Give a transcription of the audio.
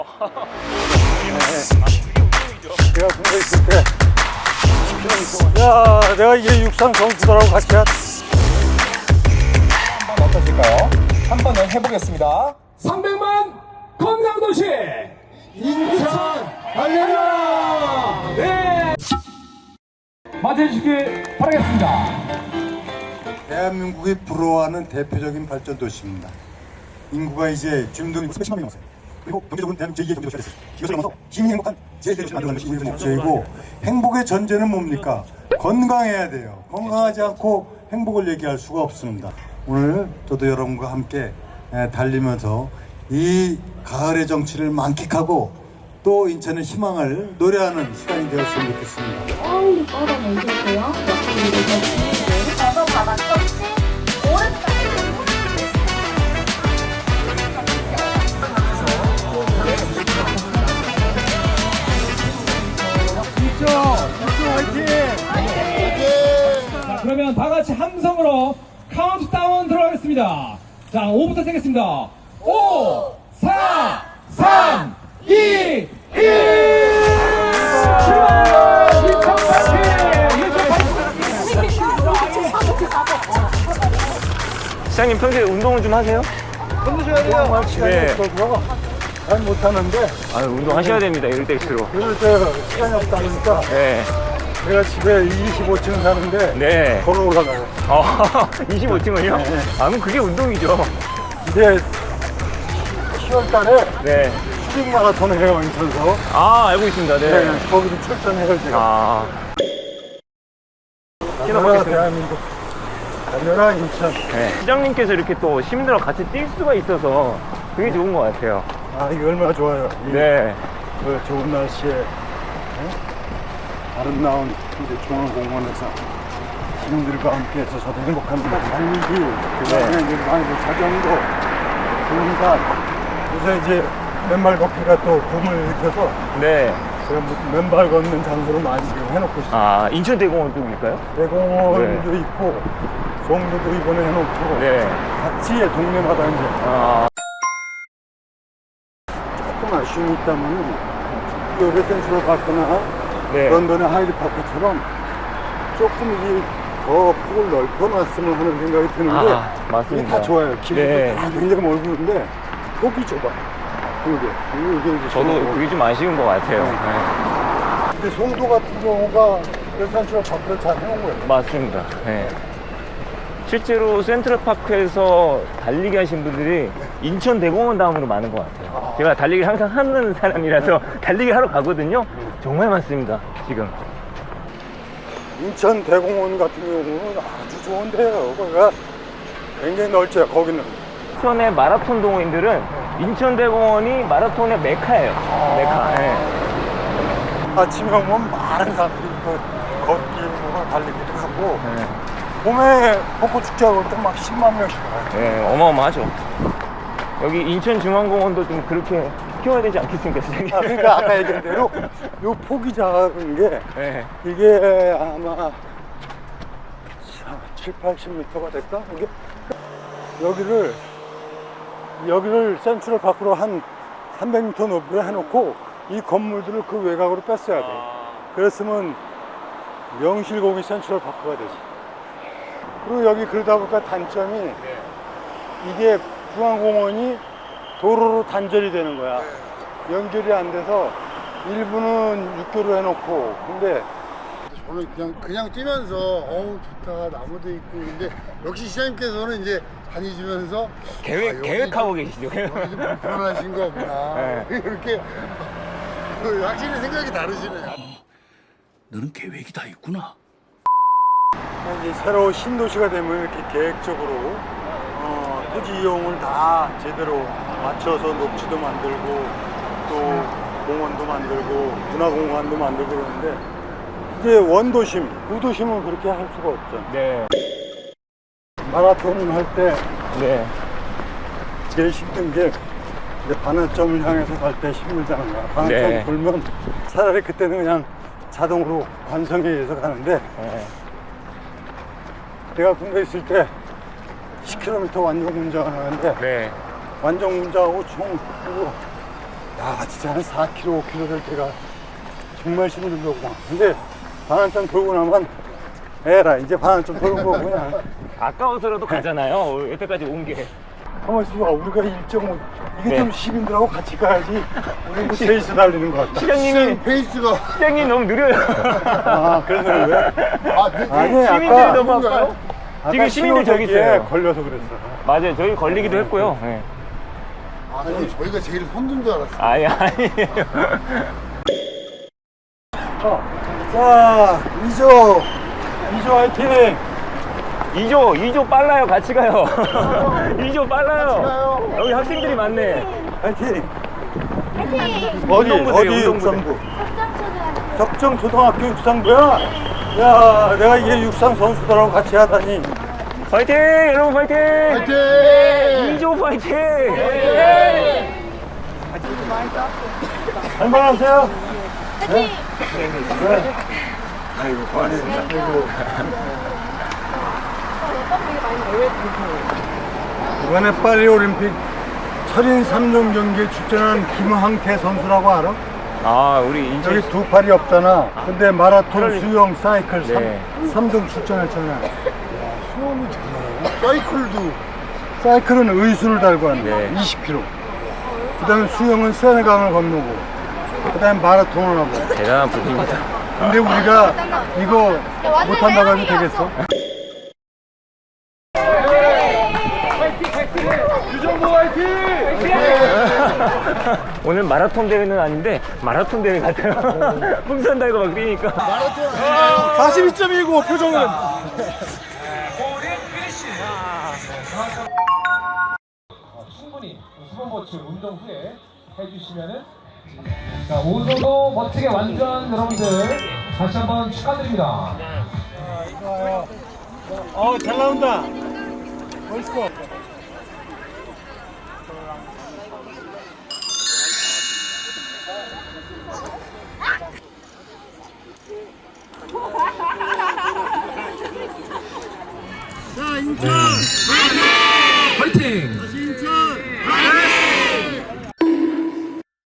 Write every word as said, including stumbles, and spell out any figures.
내가 군대 있을 때 야, 내가 이게 육상 선수들하고 같이 한 한번 어떠실까요? 한번 해보겠습니다. 삼백만 건강도시 인천 달려라! 네! 맞아주시길 바라겠습니다. 대한민국이 부러워하는 대표적인 발전 도시입니다. 인구가 이제 주민등록이 수백십만 명이 넘었어요. 그리고 경제적으로 대한민국 제이의 경제도시가 됐어요. 이것을 넘어서 시민이 행복한 제일 대도시를 만들어가는 것이 우리의 목표이고, 행복의 전제는 뭡니까? 건강해야 돼요. 건강하지 않고 행복을 얘기할 수가 없습니다. 오늘 저도 여러분과 함께 달리면서 이 가을의 정취를 만끽하고 또 인천의 희망을 노래하는 시간이 되었으면 좋겠습니다. 빨리 뻗어내주세요. 옆으로 이렇게 저도 바닥 터치 오른쪽 자, 그러면 다 같이 함성으로 카운트다운 들어가겠습니다. 자, 오부터 세겠습니다. 오, 사, 삼, 이, 일! 출발! 시장님 평소에 운동을 좀 하세요? 힘드셔야 돼요. 시간이 네. 없어서 잘 못하는데 아 운동 하셔야 됩니다 이럴 때일수록. 그럴 때 시간이 없다 보니까 네. 제가 집에 이십오 층 사는데 네. 걸어 올라가요. 어, 이십오 층을요? 네. 아 그럼 그게 운동이죠. 이제 시월 달에 네. 수직 마라톤을 해요, 인천서. 아 알고 있습니다. 네. 네, 거기도 출전해요, 제가. 아. 달려라, 대한민국. 달려라, 인천. 네. 시장님께서 이렇게 또 시민들과 같이 뛸 수가 있어서 그게 좋은 것 같아요. 아, 이거 얼마나 좋아요. 이, 네. 그 좋은 날씨에 네? 아름다운 이제 중앙공원에서 시민들과 함께해서 저도 행복합니다. 달리기, 그다음에 네. 이제 많이 자전거, 등산. 요새 이제 맨발 걷기가 또 붐을 일으켜서 네. 제가 뭐 맨발 걷는 장소를 많이 지금 해놓고 있어요. 아 인천대공원 쪽일까요? 대공원도 있고 송도도 이번에 해놓고 네. 같이 동네마다 이제 아. 조금 아쉬움이 있다면 요새 센트럴 파크나 네. 런던의 하이드파크처럼 조금 이게 더 폭을 넓혀놨으면 하는 생각이 드는데 아, 맞습니다. 이게 다 좋아요. 길이 네. 다 굉장히 멀고 있는데 폭이 좁아. 이게 이게 이제 저도 좁고. 그게 좀 아쉬운 것 같아요. 네. 네. 근데 송도 같은 경우가 그 센트럴 파크를 잘 해놓은 거예요. 맞습니다. 네. 실제로 센트럴파크에서 달리기 하신 분들이 인천대공원 다음으로 많은 것 같아요. 제가 달리기를 항상 하는 사람이라서 달리기 하러 가거든요. 정말 많습니다, 지금. 인천 대공원 같은 경우는 아주 좋은데요. 거기가 굉장히 넓죠, 거기는. 인천의 마라톤 동호인들은 인천대공원이 마라톤의 메카예요. 메카. 네. 아침에 오면 많은 사람들이 그 걷기, 뭐 달리기도 하고 네. 봄에 벚꽃축제하고 또 막 십만 명씩 와요. 네, 어마어마하죠. 여기 인천중앙공원도 좀 그렇게 키워야 되지 않겠습니까, 선생님? 아, 그러니까 아까 얘기한 대로 요 폭이 작은 게 네. 이게 아마 칠, 팔십 미터가 될까? 이게 여기를 여기를 센트럴 파크로 한 삼백 미터 높이로 해놓고 이 건물들을 그 외곽으로 뺐어야 돼. 그랬으면 명실공히 센트럴 파크가 되지. 그리고 여기 그러다 보니까 단점이 이게 중앙공원이 도로로 단절이 되는 거야. 연결이 안 돼서 일부는 육교로 해놓고 근데 저는 그냥 그냥 뛰면서 어우 좋다 나무도 있고 근데 역시 시장님께서는 이제 다니시면서 계획, 아, 여기 계획하고 좀- 계시죠? 여기 좀 불편하신 거구나 네. 이렇게 그 확실히 생각이 다르시네. 너는 계획이 다 있구나. 이제 새로 신도시가 되면 이렇게 계획적으로 어, 토지 이용을 다 제대로 맞춰서 녹지도 만들고 또 공원도 만들고 문화공간도 만들고 그러는데 이제 원도심, 구도심은 그렇게 할 수가 없죠. 네. 마라톤 할 때 네. 제일 힘든 게 이제 반환점을 향해서 갈 때 힘들다는 거야. 반환점 네. 돌면 차라리 그때는 그냥 자동으로 관성에 의해서 가는데 네. 내가 군대 있을 때 십 킬로미터 완전 운전을 하는데 네. 완전 운전하고 총 그리고 아, 진짜 한 사 킬로미터, 오 킬로미터 될 때가 정말 힘든 거구나. 근데 반환점 돌고 나면 에라, 이제 반환점 돌은 거고 그냥. 아까워서라도 가잖아요. 여태까지 온 게. 가만히 있어봐. 우리가 일 점 오, 이게 네. 좀 시민들하고 같이 가야지. 우리 뭐 페이스 달리는 것 같다. 시장님이, 페이스가. 시장님 너무 느려요. 아, 그래서 왜? 아, 네, 네. 아니, 시민들이 아까, 너무 아파요. 아까 지금 시민들 저기 신호대기에 있어요. 걸려서 그랬어. 맞아요. 저희 걸리기도 했고요. 네. 아, 저는 저희가 제일 선두인 줄 알았어요. 아니, 아니에요. 어. 자, 이조. 이조 화이팅! 이조, 이조 빨라요. 같이 가요. 이조 빨라요. 가요. 여기 학생들이 많네. 화이팅! 화이팅! 어디, 운동부대요, 어디 운동부대. 육상부? 석장초등학교. 석정초등학교 육상부야? 야, 내가 이게 육상 선수들하고 같이 하다니. 파이팅! 여러분 파이팅! 화이팅! 이조 파이팅! 할만하세요? 화이팅! 아이고, 고맙습니다. 아이고. 이번에 파리올림픽 철인 삼 종 경기에 출전한 김항태 선수라고 알아? 아, 우리 인천 여기 두 팔이 없잖아. 근데 마라톤, 그러니- 수영, 사이클 네. 삼 종 출전했잖아. 수영이 되나요? 사이클도. 사이클은 의순을 달고 한다. 네. 이십 킬로미터. 그 다음에 수영은 세네강을 건너고. 그 다음에 마라톤을 하고. 대단한 분입니다. 근데 우리가 이거 못한다고 해도 되겠어? 오늘 마라톤 대회는 아닌데 마라톤 대회 같아요. 풍선 달고 막 뛰니까. 마라톤 아니에요. 사십이 점 일구 표정은. 충분히 수분보충 운동 후에 해주시면은 자 오늘도 멋지게 완주한 여러분들 다시 한번 축하드립니다. 어, 잘 나온다. 멋있어. 화이팅!